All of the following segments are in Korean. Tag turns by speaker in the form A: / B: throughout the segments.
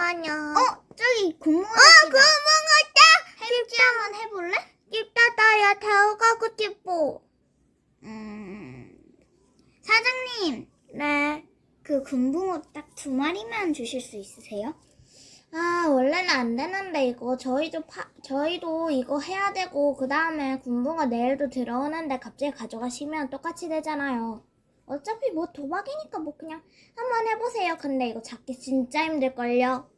A: 잠깐만요.
B: 저기 구멍
A: 구멍 있다!
B: 해볼지 한번 해볼래?
A: 나 들어가고 싶어.
B: 사장님,
A: 네.
B: 그 금붕어 딱 2마리만 주실 수 있으세요?
A: 원래는 안 되는데 이거 저희도 이거 해야 되고 그 다음에 군부가 내일도 들어오는데 갑자기 가져가시면 똑같이 되잖아요. 어차피 뭐 도박이니까 뭐 그냥 한번 해보세요. 근데 이거 잡기 진짜 힘들걸요.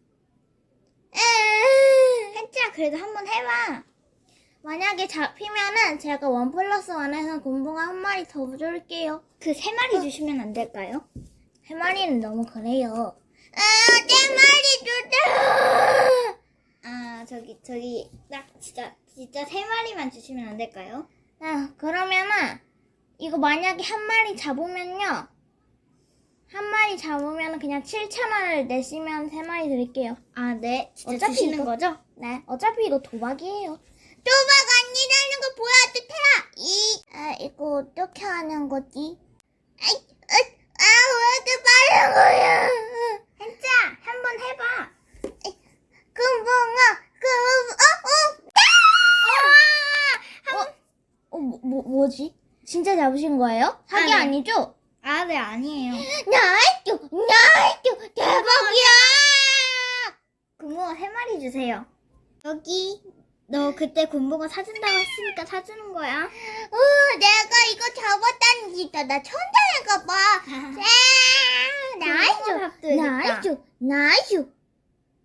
B: 혜지야, 그래도 한번 해봐.
A: 만약에 잡히면은 제가 1+1에서 군부가 1마리 더 줄게요.
B: 그 3마리 주시면 안 될까요?
A: 3마리는 너무 그래요. 4마리 주세요.
B: 저기, 딱 진짜 3마리만 주시면 안 될까요?
A: 그러면은 이거 만약에 1마리 잡으면요. 1마리 잡으면 그냥 7,000원을 내시면 3마리 드릴게요.
B: 네. 진짜
A: 어차피
B: 주시는
A: 이거-
B: 거죠?
A: 네, 어차피 이거 도박이에요. 도박 아니라는 거 보여도 돼요. 이거 어떻게 하는 거지? 왜 이렇게 빠른 거야?
B: 혜지야, 한번 해봐.
A: 뭐지? 진짜 잡으신 거예요? 사기
B: 네.
A: 아니죠?
B: 네, 아니에요.
A: 나이스! 대박이야!
B: 금붕어 3마리 주세요. 여기, 너 그때 금붕어 사준다고 했으니까 사주는 거야.
A: 내가 이거 잡았다는 진짜 나 천재인가 봐.
B: 금붕어 밥도 해줬다.
A: 나이스!